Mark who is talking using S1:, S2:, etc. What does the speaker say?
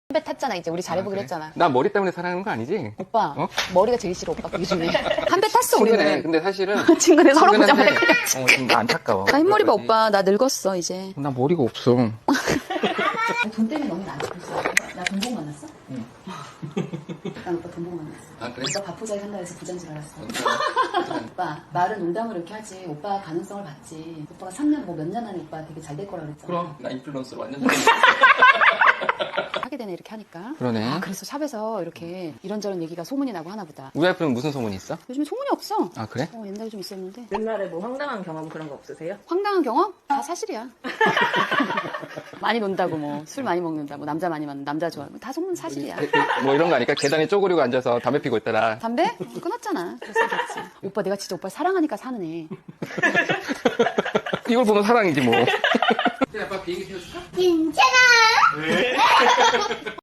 S1: 담배 탔잖아. 이제 우리 잘해보기로
S2: 그래?
S1: 했잖아.
S2: 나 머리 때문에 사랑하는 거 아니지?
S1: 오빠
S2: 어?
S1: 머리가 제일 싫어. 오빠 그 중에. 담배 탔어
S2: 친근해.
S1: 우리는.
S2: 근데 사실은
S1: 친근해. 서로
S2: 친근한데,
S1: 보자마자 그냥.
S2: 좀 안타까워.
S1: 나 흰머리 봐 오빠. 나 늙었어 이제.
S2: 나 머리가 없어.
S1: 돈 때문에 너무 안 좋겠어. 나 돈 보고 만났어?
S2: 응.
S1: 난 오빠 돈 보고 만났어.
S2: 아, 그래?
S1: 오빠 밥포자기 한다 해서 부자인 줄 알았어. 오빠 말은 농담으로 이렇게 하지. 오빠 가능성을 봤지. 오빠가 3년 뭐 몇 년 안에 오빠 되게 잘 될 거라 그랬잖아.
S2: 그럼 나 인플루언서로 완전
S1: 하게 되네 이렇게 하니까.
S2: 그러네.
S1: 아, 그래서 샵에서 이렇게 이런저런 얘기가 소문이 나고 하나 보다.
S2: 우리 와이프는 무슨 소문이 있어?
S1: 요즘에 소문이 없어.
S2: 아 그래?
S1: 옛날에 좀 있었는데.
S3: 옛날에 뭐 황당한 경험 그런 거 없으세요?
S1: 황당한 경험? 다 사실이야. 많이 논다고 뭐 술 많이 먹는다 뭐 남자 많이 만나 남자 좋아하고 다 소문 사실이야.
S2: 뭐 이런 거 아닐까? 계단에 쪼그리고 앉아서 담배 피고 있더라.
S1: 담배? 끊었잖아. 그래서 됐지. 오빠 내가 진짜 오빠 사랑하니까 사는 애.
S2: 이걸 보면 사랑이지 뭐. 아빠 비행기 태워줄까?
S4: 괜찮아.